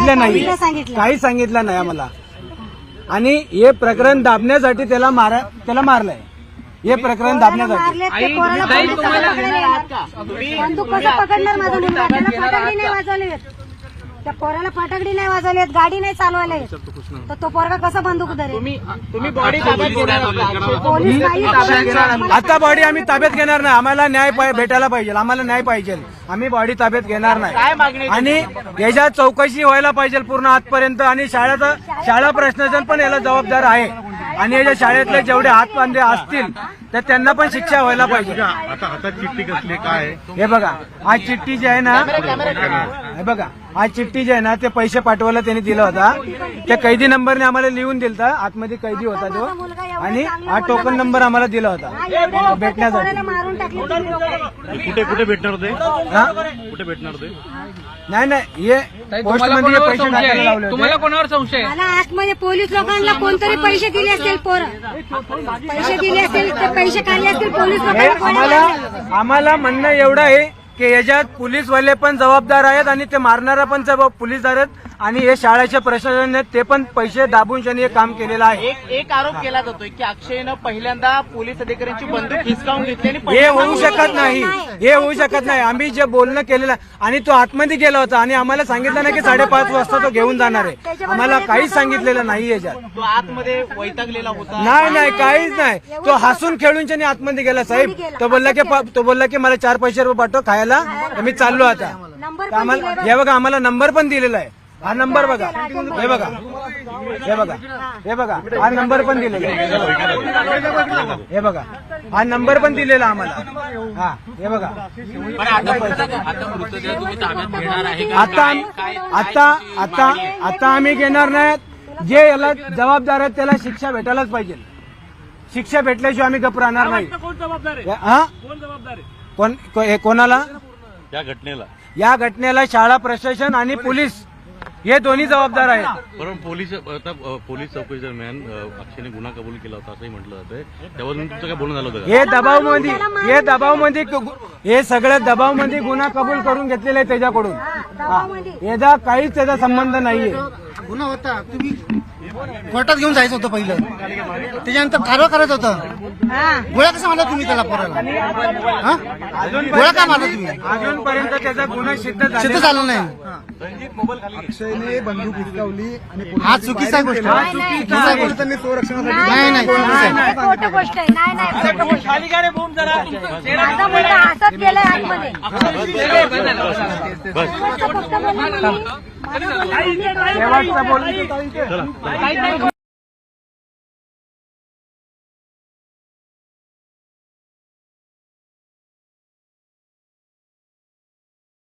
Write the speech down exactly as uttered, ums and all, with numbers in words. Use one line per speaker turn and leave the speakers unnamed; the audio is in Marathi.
सांगितलं नाही, काही सांगितलं नाही आम्हाला. आणि हे प्रकरण दाबण्यासाठी त्याला मार त्याला मारलंय. हे प्रकरण दाबण्यासाठी
बंदूक कसं पकडणार माझा मुलगा? त्याला फटाकडी नाही वाजवले, त्या पोराला फटाकडी नाही वाजवलेत, गाडी नाही चालवले, तर तो पोरगा कसा बंदूक धरेल?
तुम्ही बॉडी ताब्यात घेणार
पोलीस नाही,
आता बॉडी आम्ही ताब्यात घेणार नाही. आम्हाला न्याय पाय- भेटायला पाहिजे, आम्हाला न्याय पाहिजे. आम्ही बॉडी ताब्यात घेणार नाही. आणि याच्यात चौकशी व्हायला पाहिजे पूर्ण आजपर्यंत. आणि शाळेचा शाळा प्रशासन पण याला जबाबदार आहे. आणि याच्या शाळेतले जेवढे हातबांधे असतील तर त्यांना पण शिक्षा व्हायला पाहिजे.
आता हातात चिठ्ठी कसली काय?
हे बघा, आज चिठ्ठी जी आहे ना, हे बघा, आज चिठ्ठी जी आहे ना, ते पैसे पाठवायला त्यांनी दिला होता. त्या कैदी नंबरने आम्हाला लिहून दिलता. आतमध्ये कैदी होता तो, आणि हा टोकन नंबर आम्हाला दिला होता भेटण्यासाठी.
मारून टाकले.
कुठे कुठे भेटणार होते?
हा?
कुठे भेटणार होते?
नाही नाही, हे पोस्टमध्ये पैसे टाकायला लावले होते.
तुम्हाला कोणावर संशय?
मला आतमध्ये पोलीस लोकांना कोणतरी पैसे दिले असतील, पोरं पैसे दिले असतील, ते पैसे काढले असतील पोलीस
हे आम्हाला आम्हाला म्हणणं एवढं आहे की याच्यात पोलीसवाले पण जबाबदार आहेत आणि ते मारणारा पण जबाब पोलीसदार आहेत. आणि हे शाळेचे प्रशासन आहेत, ते पण पैसे दाबून त्यांनी हे काम केलेलं आहे.
एक एक आरोप केला जातोय की अक्षयनं पहिल्यांदा पोलीस अधिकाऱ्यांची बंदूक हिसकावून घेतली आणि
हे
पहिल्यांदा
होऊ शकत नाही, हे होऊ शकत नाही. आम्ही जे बोलणं केलेलं आणि तो आतमध्ये गेला होता आणि आम्हाला सांगितलं नाही की साडेपाच वाजता तो घेऊन जाणार आहे. आम्हाला काहीच सांगितलेलं नाही याच्यात.
तो आतमध्ये वैतागलेला होता.
नाही नाही, काहीच नाही. तो हसून खेळून त्याने आतमध्ये गेला. साहेब तो बोलला की प- तो बोलला की मला चार पैसे रुपये पाठव खायला, तर मी चाललो आता. तर आम्हाला हे बघा, आम्हाला नंबर पण दिलेला आहे. हा नंबर बघा, हे बघा, हे बघा, हे बघा, हा नंबर पण दिलेला आहे. हे बघा, हा नंबर पण दिलेला आम्हाला. हा, हे बघा. आता आता आता आता आम्ही घेणार नाहीत. जे याला जबाबदार आहेत त्याला शिक्षा भेटायलाच पाहिजे. शिक्षा भेटल्याशिवाय आम्ही गप्प राहणार नाही. हा, कोण हे कोणाला?
या घटनेला
या घटनेला शाळा प्रशासन आणि पोलीस हे दोन्ही जबाबदार आहेत.
परंतु पोलीस आता अ, पोलीस चौकशी दरम्यान अ, अक्षयने गुन्हा कबूल केला होता असंही म्हटलं जातंय. त्यावर तुमचं काय बोलणं झालं होतं का?
हे दबावमध्ये हे दबावमध्ये हे सगळ्या दबावमध्ये गुन्हा कबूल करून घेतलेले आहे त्याच्याकडून. हा, याचा काहीच त्याचा संबंध नाहीये.
गुन्हा होता, तुम्ही कोर्टात घेऊन जायचं होतं पहिलं, त्याच्यानंतर कारवाई करायचं होतं. गोळ्या कसा मारला तुम्ही त्याला पोराला? हा? गोळ्या का मारला तुम्ही?
अजूनपर्यंत त्याचा गुन्हा सिद्ध
सिद्ध
झालेला
झालं नाही.
अक्षयने बंदूक हिसकावली आणि
हा चुकीचा गोष्ट
नाही,
आहे.
नाही.
चुकीचा गोष्ट.
त्यांनी संरक्षणासाठी
नाही नाही चुकीचं आहे.
खोटं गोष्ट आहे. नाही नाही, खोटं गोष्ट आहे. माझा मुलगा हसत गेलाय आतमध्ये. शेवटचं फक्त बोलणं मी. माझा मुलगा
शेवटचं बोलणं.
नाही, नाही.